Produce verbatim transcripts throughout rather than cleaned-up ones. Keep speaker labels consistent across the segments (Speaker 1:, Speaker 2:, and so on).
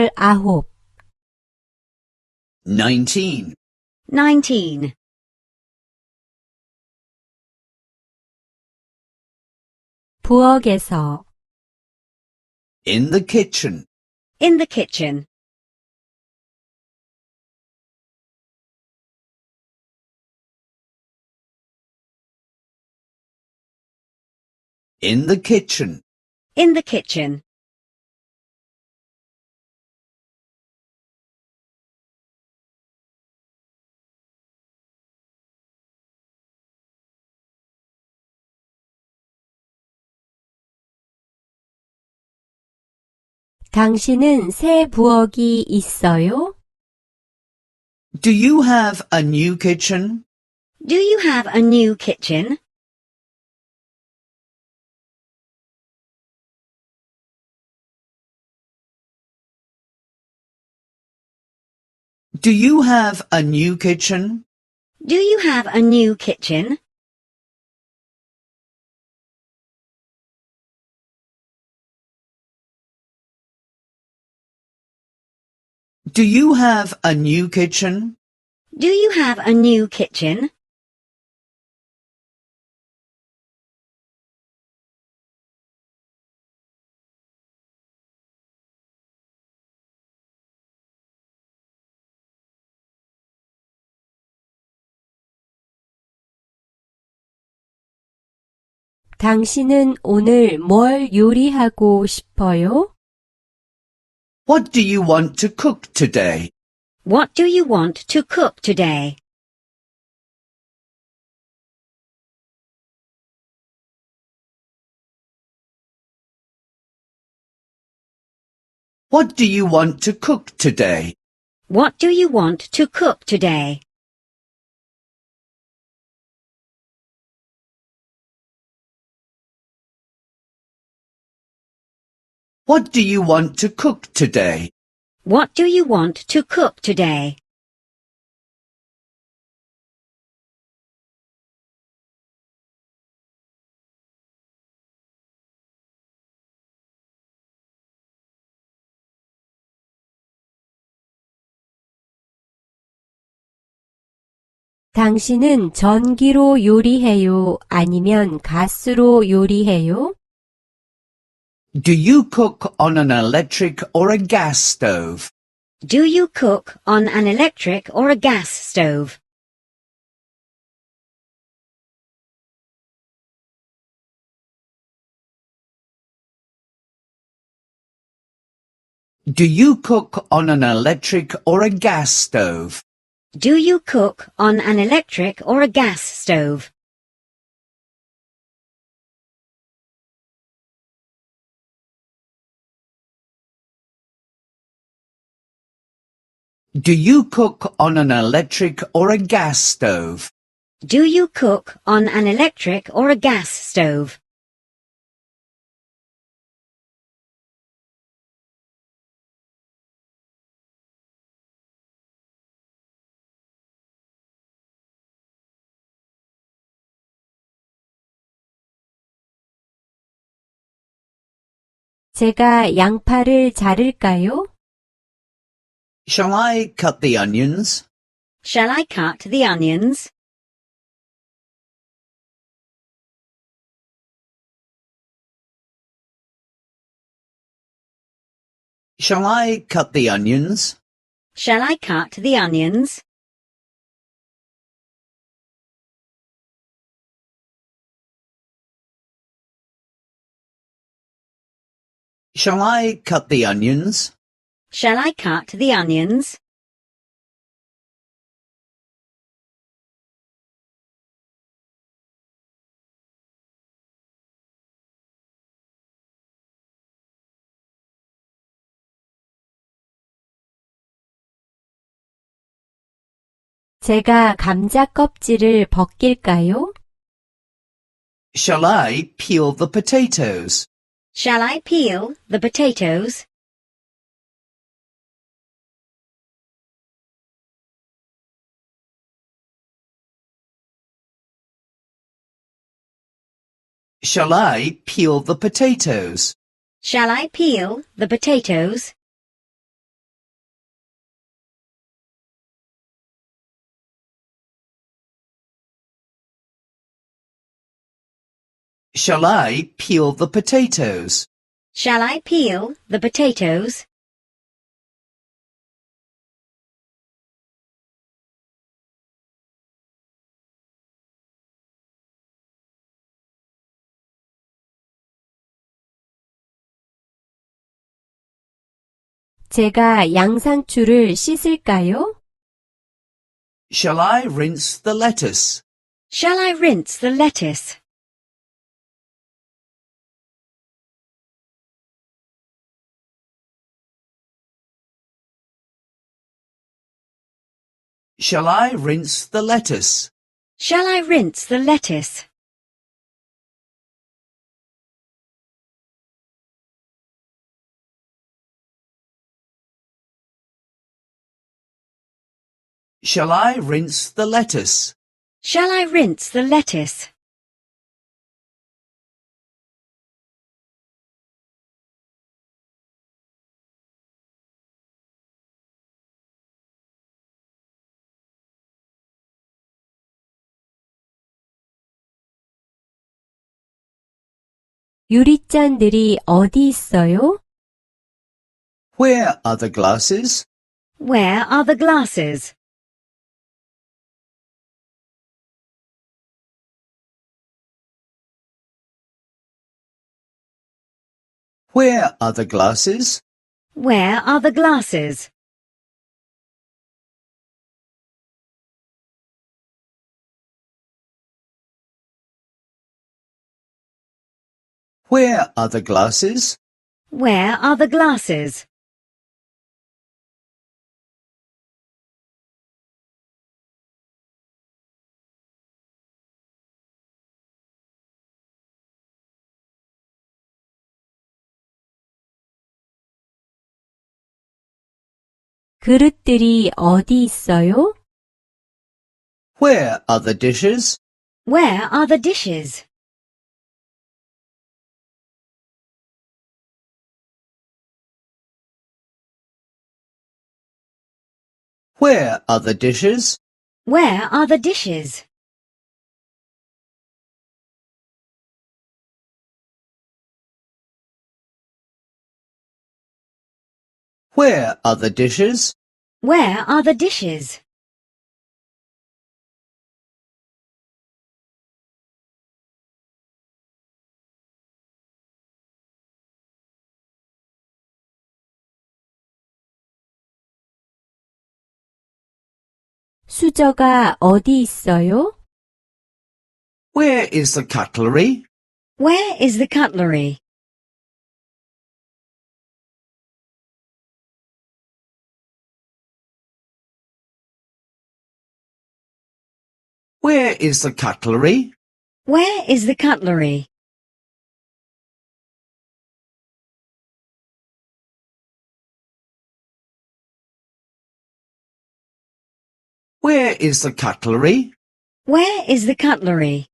Speaker 1: 열아홉.
Speaker 2: nineteen,
Speaker 3: nineteen.
Speaker 1: 부엌에서.
Speaker 2: in the kitchen,
Speaker 3: In the kitchen.
Speaker 2: in the kitchen,
Speaker 3: In the kitchen.
Speaker 1: 당신은 새 부엌이 있어요?
Speaker 2: do you have a new kitchen?
Speaker 3: Do you have a new kitchen?
Speaker 2: Do you have a new kitchen?
Speaker 3: Do you have a new kitchen?
Speaker 2: Do you have a new kitchen?
Speaker 3: Do you have a new kitchen?
Speaker 1: 당신은 오늘 뭘 요리하고 싶어요?
Speaker 2: What do you want to cook today?
Speaker 3: What do you want to cook today?
Speaker 2: What do you want to cook today?
Speaker 3: What do you want to cook today?
Speaker 2: What do you want to cook today?
Speaker 3: What do you want to cook today?
Speaker 1: 당신은 전기로 요리해요? 아니면 가스로 요리해요?
Speaker 2: Do you cook on an electric or a gas stove?
Speaker 3: Do you cook on an electric or a gas stove?
Speaker 2: Do you cook on an electric or a gas stove?
Speaker 3: Do you cook on an electric or a gas stove?
Speaker 2: Do you cook on an electric or a gas stove?
Speaker 3: Do you cook on an electric or a gas stove?
Speaker 1: 제가 양파를 자를까요?
Speaker 2: Shall I cut the onions?
Speaker 3: Shall I cut the onions?
Speaker 2: Shall I cut the onions?
Speaker 3: Shall I cut the onions?
Speaker 2: Shall I cut the onions?
Speaker 3: Shall I cut the onions?
Speaker 1: 제가 감자 껍질을 벗길까요?
Speaker 2: Shall I peel the potatoes?
Speaker 3: Shall I peel the potatoes?
Speaker 2: Shall I peel the potatoes?
Speaker 3: Shall I peel the potatoes?
Speaker 2: Shall I peel the potatoes?
Speaker 3: Shall I peel the potatoes?
Speaker 1: 제가 양상추를 씻을까요?
Speaker 2: Shall I rinse the lettuce?
Speaker 3: Shall I rinse the lettuce?
Speaker 2: Shall I rinse the lettuce?
Speaker 3: Shall I rinse the lettuce?
Speaker 2: Shall I rinse the lettuce?
Speaker 3: Shall I rinse the lettuce?
Speaker 1: 유리잔들이 어디 있어요?
Speaker 2: Where are the glasses?
Speaker 3: Where are the glasses?
Speaker 2: Where are the glasses?
Speaker 3: Where are the glasses?
Speaker 2: Where are the glasses?
Speaker 3: Where are the glasses?
Speaker 1: 그릇들이 어디 있어요?
Speaker 2: Where are the dishes?
Speaker 3: Where are the dishes?
Speaker 2: Where are the dishes?
Speaker 3: Where are the dishes?
Speaker 2: Where are the dishes?
Speaker 3: Where are the dishes?
Speaker 1: 수저가 어디 있어요?
Speaker 2: Where is the cutlery?
Speaker 3: Where is the cutlery?
Speaker 2: Where is the cutlery?
Speaker 3: Where is the cutlery?
Speaker 2: Where is the cutlery?
Speaker 3: Where is the cutlery?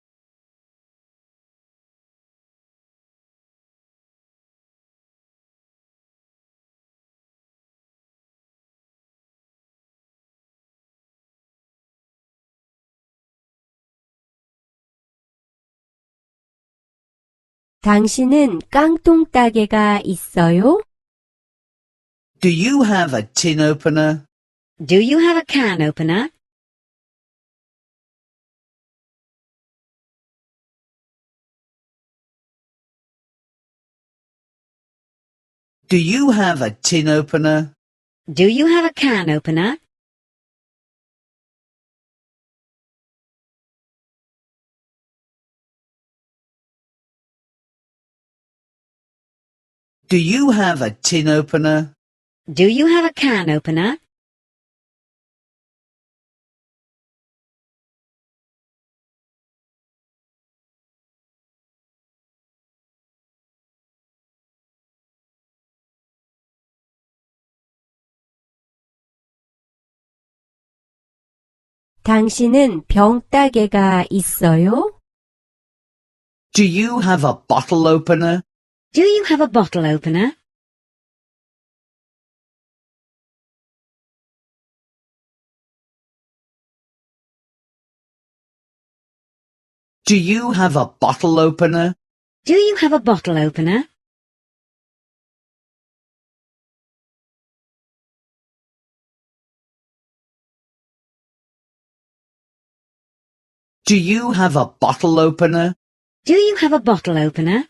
Speaker 1: 당신은 깡통 따개가 있어요?
Speaker 2: Do you have a tin opener?
Speaker 3: Do you have a can opener?
Speaker 2: Do you have a tin opener?
Speaker 3: Do you have a can opener?
Speaker 2: Do you have a tin opener?
Speaker 3: Do you have a can opener?
Speaker 1: 당신은 병 따개가 있어요?
Speaker 2: Do you have a bottle opener?
Speaker 3: Do you have a bottle opener?
Speaker 2: Do you have a bottle opener?
Speaker 3: Do you have a bottle opener?
Speaker 2: Do you have a bottle opener?
Speaker 3: Do you have a bottle opener?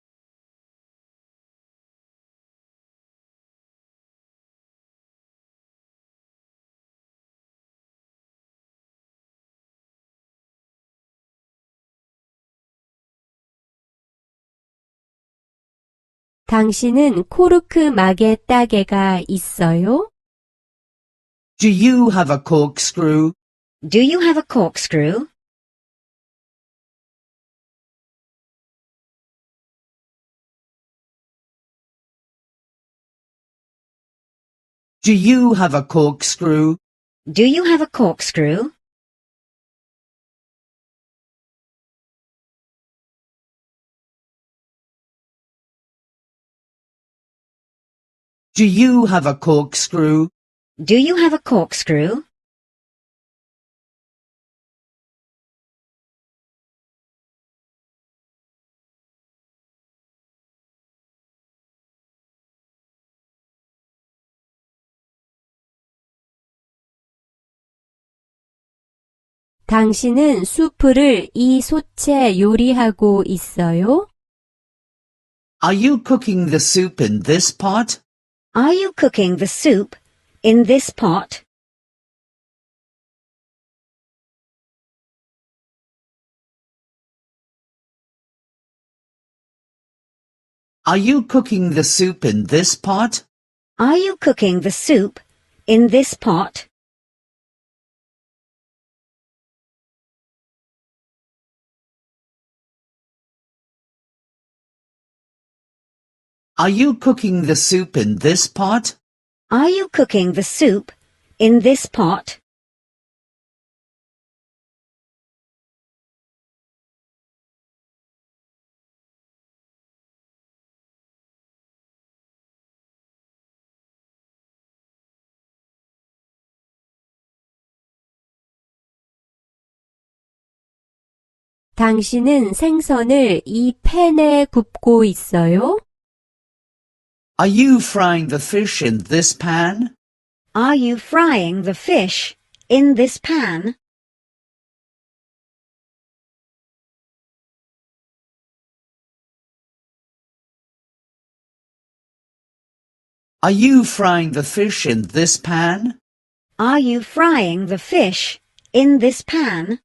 Speaker 1: 당신은 코르크 마개 따개가 있어요?
Speaker 2: Do you have a corkscrew?
Speaker 3: Do you have a corkscrew?
Speaker 2: Do you have a corkscrew?
Speaker 3: Do you have a corkscrew?
Speaker 2: Do you have a corkscrew?
Speaker 3: Do you have a corkscrew?
Speaker 1: 당신은 수프를 이 솥에 요리하고 있어요?
Speaker 2: Are you cooking the soup in this pot?
Speaker 3: Are you cooking the soup in this pot?
Speaker 2: Are you cooking the soup in this pot?
Speaker 3: Are you cooking the soup in this pot?
Speaker 2: Are you cooking the soup in this pot?
Speaker 3: Are you cooking the soup in this pot?
Speaker 1: 당신은 생선을 이 팬에 굽고 있어요?
Speaker 2: Are you frying the fish in this pan?
Speaker 3: Are you frying the fish in this pan?
Speaker 2: Are you frying the fish in this pan?
Speaker 3: Are you frying the fish in this pan?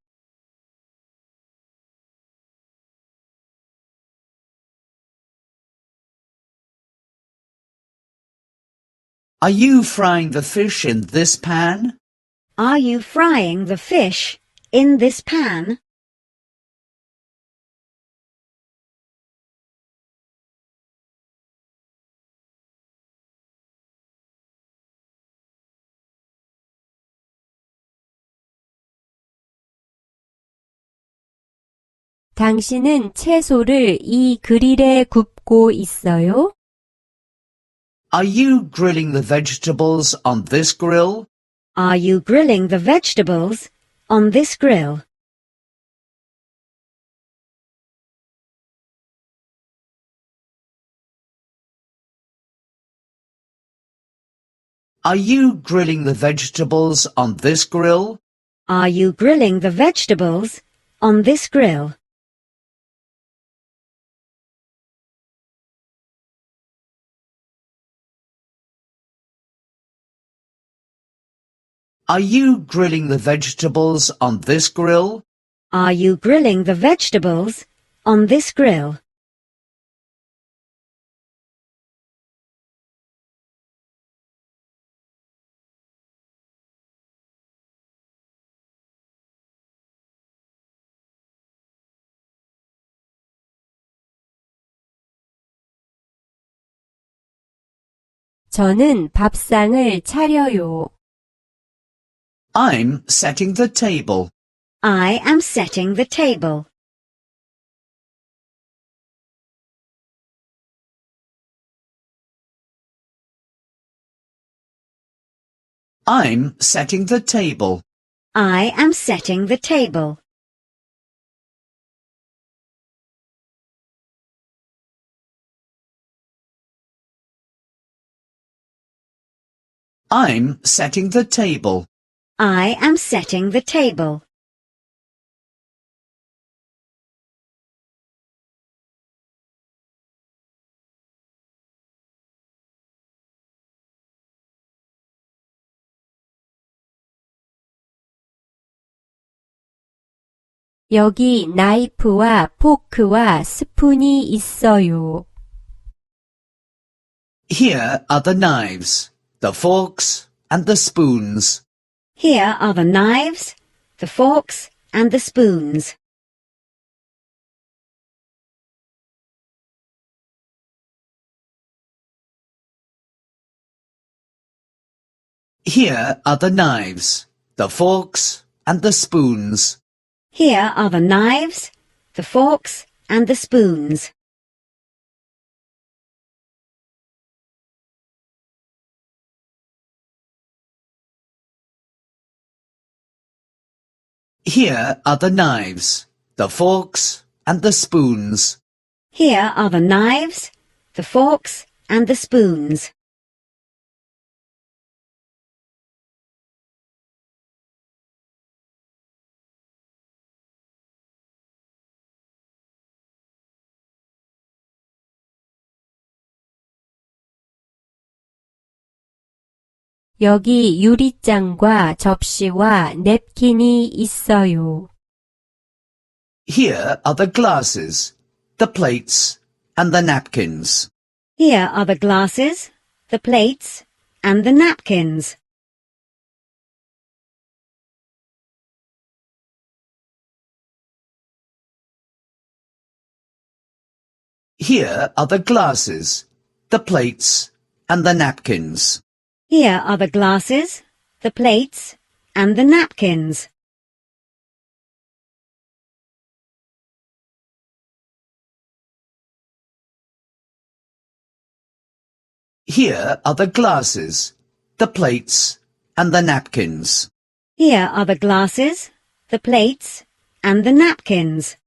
Speaker 2: Are you frying the fish in this pan?
Speaker 3: Are you frying the fish in this pan?
Speaker 1: 당신은 채소를 이 그릴에 굽고 있어요?
Speaker 2: Are you grilling the vegetables on this grill?
Speaker 3: Are you grilling the vegetables on this grill?
Speaker 2: Are you grilling the vegetables on this grill?
Speaker 3: Are you grilling the vegetables on this grill?
Speaker 2: Are you grilling the vegetables on this grill?
Speaker 3: Are you grilling the vegetables on this grill?
Speaker 1: 저는 밥상을 차려요.
Speaker 2: I'm setting the table.
Speaker 3: I am setting the table.
Speaker 2: I'm setting the table.
Speaker 3: I am setting the table.
Speaker 2: I'm setting the table.
Speaker 3: I am setting the table.
Speaker 1: 여기 나이프와 포크와 스푼이 있어요.
Speaker 2: Here are the knives, the forks, and the spoons.
Speaker 3: Here are the knives, the forks, and the spoons.
Speaker 2: Here are the knives, the forks, and the spoons.
Speaker 3: Here are the knives, the forks, and the spoons.
Speaker 2: Here are the knives, the forks, and the spoons.
Speaker 3: Here are the knives, the forks, and the spoons.
Speaker 1: 여기 유리잔과 접시와 냅킨이 있어요.
Speaker 2: Here are the glasses, the plates, and the napkins.
Speaker 3: Here are the glasses, the plates, and the napkins.
Speaker 2: Here are the glasses, the plates, and the napkins.
Speaker 3: Here are the glasses, the plates, and the napkins.
Speaker 2: Here are the glasses, the plates, and the napkins.
Speaker 3: Here are the glasses, the plates, and the napkins.